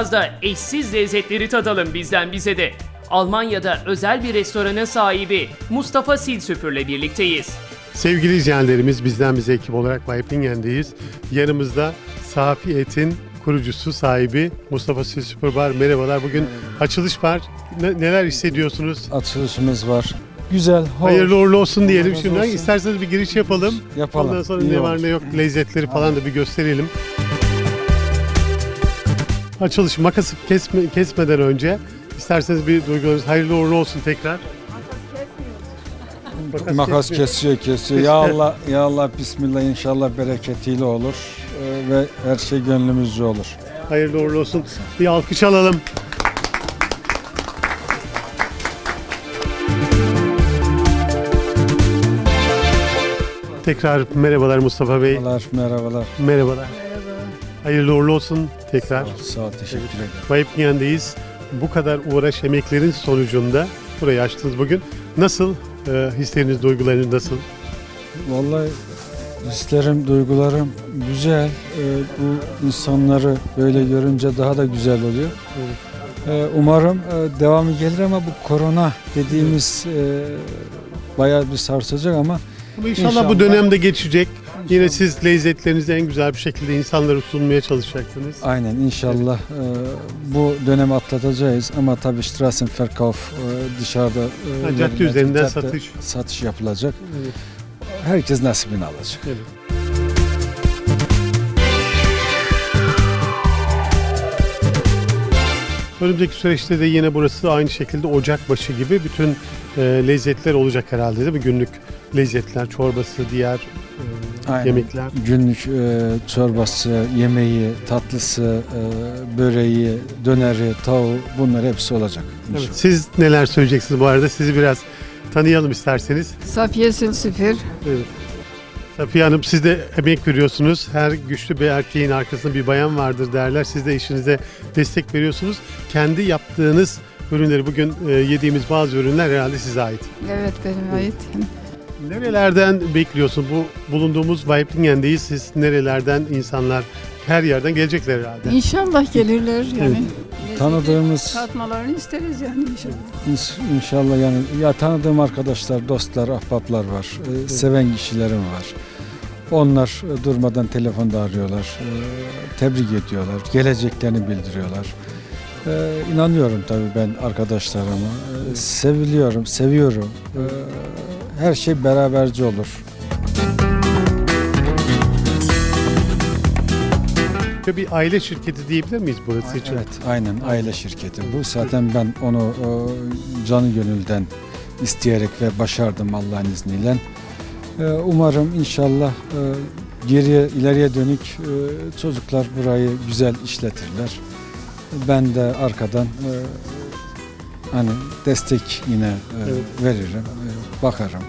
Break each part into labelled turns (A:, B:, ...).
A: Biraz da eşsiz lezzetleri tadalım bizden bize de. Almanya'da özel bir restoranın sahibi Mustafa Silsüpür'le birlikteyiz.
B: Sevgili izleyenlerimiz, bizden bize ekip olarak Waibling'en'deyiz. Yanımızda Safi Et'in kurucusu, sahibi Mustafa Silsüpür var. Merhabalar. Bugün açılış var. Neler hissediyorsunuz?
C: Açılışımız var. Güzel, hoş.
B: Hayırlı uğurlu olsun diyelim
C: razı
B: şimdiden.
C: olsun.
B: İsterseniz bir giriş yapalım.
C: Yapalım.
B: Ondan sonra
C: İyi
B: ne var
C: olur.
B: ne yok lezzetleri falan da bir gösterelim. Açılış makası kesmeden önce isterseniz bir duygularınız hayırlı uğurlu olsun tekrar.
C: Makas
B: kesmiyor.
C: kesiyor. Ya Allah, bismillah, inşallah bereketiyle olur ve her şey gönlümüzce olur.
B: Hayırlı uğurlu olsun. Bir alkış alalım. Tekrar merhabalar Mustafa Bey.
C: Merhabalar.
B: Merhabalar. Hayırlı uğurlu olsun tekrar.
C: Sağ ol, teşekkür ederim.
B: Waibling'en'deyiz. Bu kadar uğraş, emeklerin sonucunda burayı açtınız bugün. Nasıl? Hisleriniz, duygularınız nasıl?
C: Vallahi hislerim, duygularım güzel. Bu insanları böyle görünce daha da güzel oluyor. Umarım devamı gelir ama bu korona dediğimiz bayağı bir sarsacak ama
B: İnşallah bu dönemde geçecek. Yine siz lezzetlerinizi en güzel bir şekilde insanlara sunmaya çalışacaksınız.
C: aynen inşallah bu dönemi atlatacağız ama tabii Strassenverkauf dışarıda
B: Cadde üzerinden
C: cadde satış yapılacak.
B: Evet.
C: Herkes nasibini alacak.
B: Evet. Önümüzdeki süreçte de yine burası aynı şekilde ocakbaşı gibi bütün lezzetler olacak herhalde değil mi? Günlük lezzetler, çorbası, diğer
C: Aynen.
B: yemekler.
C: Günlük çorbası, yemeği, tatlısı, böreği, döneri, tavuğu bunlar hepsi olacak inşallah.
B: Evet. Siz neler söyleyeceksiniz bu arada? Sizi biraz tanıyalım isterseniz.
D: Safiye Silsüpür.
B: Evet. Safiye Hanım, siz de emek veriyorsunuz. Her güçlü bir erkeğin arkasında bir bayan vardır derler. Siz de işinize destek veriyorsunuz. Kendi yaptığınız ürünleri, bugün yediğimiz bazı ürünler herhalde size ait.
D: Evet, benim ait.
B: Nerelerden bekliyorsun? Bu bulunduğumuz Waibling'en'deyiz. Siz nerelerden insanlar her yerden gelecekler herhalde.
D: İnşallah gelirler yani.
C: Tanıdığımız
D: Tatmalarını isteriz yani inşallah.
C: İnşallah yani ya tanıdığım arkadaşlar, dostlar, ahbaplar var. Seven kişilerim var. Onlar durmadan telefonda arıyorlar. Tebrik ediyorlar. Geleceklerini bildiriyorlar. İnanıyorum tabii ben arkadaşlarıma. Seviliyorum, seviyorum. Her şey beraberce olur.
B: Bir aile şirketi diyebilir miyiz burası için?
C: Evet, aynen aile şirketi. Bu zaten ben onu canı gönülden isteyerek ve başardım Allah'ın izniyle. Umarım inşallah ileriye dönük çocuklar burayı güzel işletirler. Ben de arkadan hani destek yine veririm, bakarım.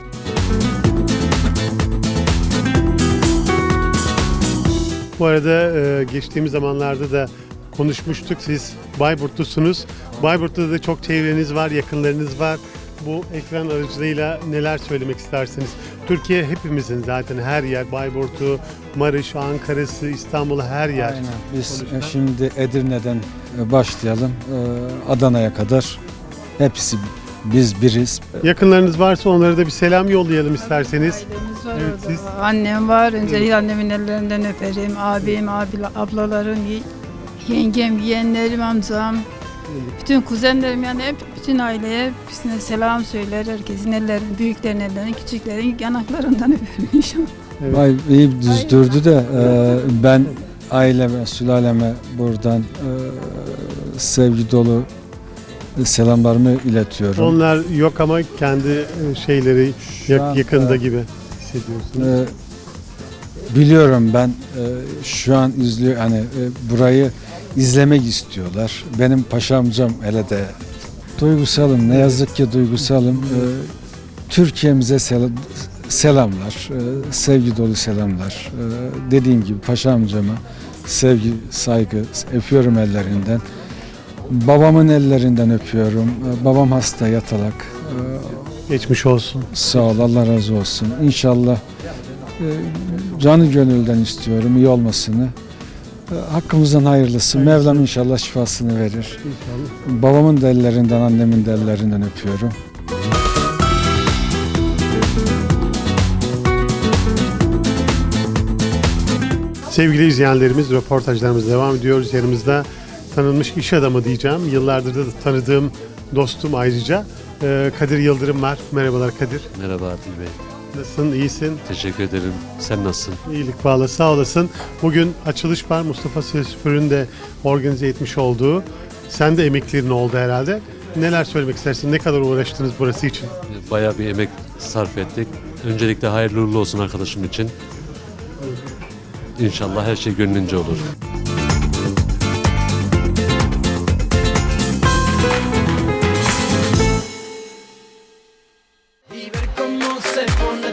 B: Bu arada geçtiğimiz zamanlarda da konuşmuştuk. Siz Bayburtlusunuz. Bayburt'ta da çok çevreniz var, yakınlarınız var. Bu ekran aracılığıyla neler söylemek istersiniz? Türkiye hepimizin zaten her yer. Bayburt'u, Maraş, Ankara'sı, İstanbul'u her yer.
C: Aynen. Biz
B: Sonuçta.
C: şimdi Edirne'den başlayalım. Adana'ya kadar hepsi biz biriz.
B: Yakınlarınız varsa onlara da bir selam yollayalım isterseniz.
D: Ailemiz var
B: Evet,
D: orada.
B: siz?
D: Annem var. Öncelikle annemin ellerinden öperim. Abim, ablalarım, yengem, yeğenlerim, amcam. Bütün kuzenlerim yani hep bütün aileye hepsine selam söyler. Herkesin ellerini, büyüklerin ellerini, küçüklerin yanaklarından öperim inşallah.
B: Evet.
C: Vay iyi düzdürdü de ben aileme, sülaleme buradan sevgi dolu selamlarımı iletiyorum.
B: Onlar yok ama kendi şeyleri
C: Şu an,
B: yakında gibi hissediyorsunuz.
C: Biliyorum ben şu an izliyor hani burayı izlemek istiyorlar. Benim paşa amcam hele de duygusalım. Ne yazık ki duygusalım. Türkiye'mize selamlar, sevgi dolu selamlar. Dediğim gibi paşa amcama sevgi, saygı öpüyorum ellerinden. Babamın ellerinden öpüyorum. Babam hasta yatalak.
B: Geçmiş olsun.
C: Sağ ol, Allah razı olsun. İnşallah canı gönülden istiyorum iyi olmasını. Hakkımızdan hayırlısı. Mevlam inşallah şifasını verir.
B: İnşallah.
C: Babamın da ellerinden, annemin de ellerinden öpüyorum.
B: Sevgili izleyenlerimiz, röportajlarımız devam ediyoruz. Yanımızda tanınmış iş adamı diyeceğim. Yıllardır da tanıdığım dostum ayrıca. Kadir Yıldırım var. Merhabalar Kadir.
E: Merhaba Adil Bey.
B: Nasılsın? İyisin?
E: Teşekkür ederim. Sen nasılsın?
B: İyilik bağlı. Sağ olasın. Bugün açılış var. Mustafa Silsüpür'ün de organize etmiş olduğu. Sen de emeklerin oldu herhalde. Neler söylemek istersin? Ne kadar uğraştınız burası için?
E: Bayağı bir emek sarf ettik. Öncelikle hayırlı uğurlu olsun arkadaşım için. İnşallah her şey gönlünce olur.
F: Y ver cómo se pone